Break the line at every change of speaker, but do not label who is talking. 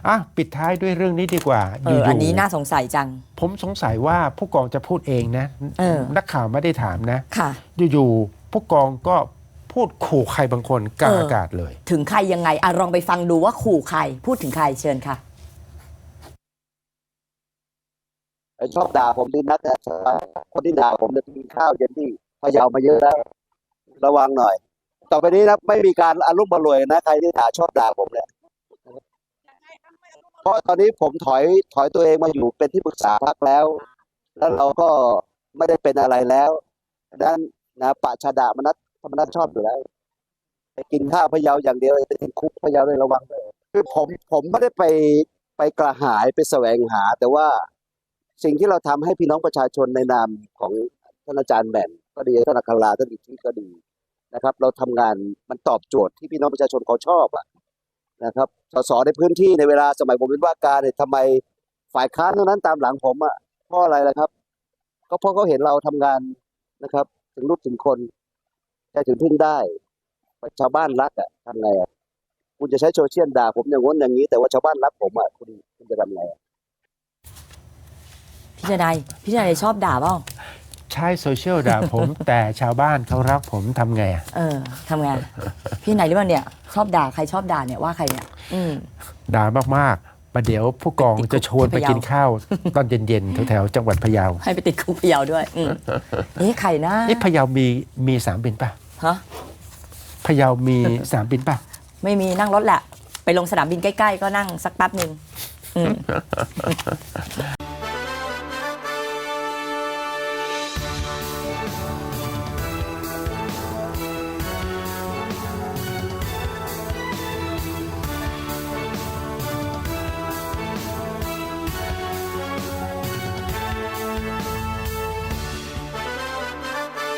ปิดท้ายด้วยเรื่องนี้ดีกว่า
อันนี้น่าสงสัยจัง
ผมสงสัยว่าผู้กองจะพูดเองนะนักข่าวไม่ได้ถามนะ
ค่ะ
อยู่ๆผู้กองก็พูดขู่ใครบางคนกลางอากาศเลย
ถึงใครยังไงลองไปฟังดูว่าขู่ใครพูดถึงใครเชิญค่ะ
ชอบด่าผมดีนักแต่คนที่ด่าผมจะกินข้าวเย็นที่พะเยามาเยอะแล้วระวังหน่อยต่อไปนี้นะไม่มีการอารมณ์รวยนะใครที่ชอบด่าผมเนี่ยเพราะตอนนี้ผมถอยตัวเองมาอยู่เป็นที่ปรึกษาพรรคแล้วเราก็ไม่ได้เป็นอะไรแล้วด้านนะปะชาดามนัสธรรมนัสชอบอยู่แล้วไปกินข้าวพะเยาอย่างเดียวไปติดคุกพะเยาเลยระวังด้วยคือผมไม่ได้ไปกระหายไปแสวงหาแต่ว่าสิ่งที่เราทำให้พี่น้องประชาชนในนามของท่านอาจารย์แบนก็ดีท่านอัคราท่านอิทธิก็ดีนะครับเราทำงานมันตอบโจทย์ที่พี่น้องประชาชนเขาชอบนะครับสสในพื้นที่ในเวลาสมัยผมเป็นว่าการเนี่ยทำไมฝ่ายค้านเท่านั้นตามหลังผมเพราะอะไรล่ะครับก็เพราะเขาเห็นเราทำงานนะครับถึงลูกถึงคนใจถึงพึ่งได้ชาวบ้านรักทำไงคุณจะใช้โซเชียลด่าผมอย่างง้นอย่างนี้แต่ว่าชาวบ้านรักผมคุณจะทำไง
พี่นายชอบด่าเปล่า
ใช้โซเชียลด่าผม แต่ชาวบ้านเขารักผมทำไง
ทำไงพี่นายหรือเปล่าเนี่ยชอบด่าใครชอบด่าเนี่ยว่าใครเนี่ย
ด่ามากๆประเดี๋ยวผู้กองจะชวนไปกินข้าวตอนเย็นๆแถวๆจังหวัดพะเยา
ให้ไปติดคุกพะเยาด้วยใครนะ
พะเยามีสนามบินป่ะ
ฮะ
พะเยามีสนามบินป่ะ
ไม่มีนั่งรถแหละไปลงสนามบินใกล้ๆก็นั่งสักแป๊บนึง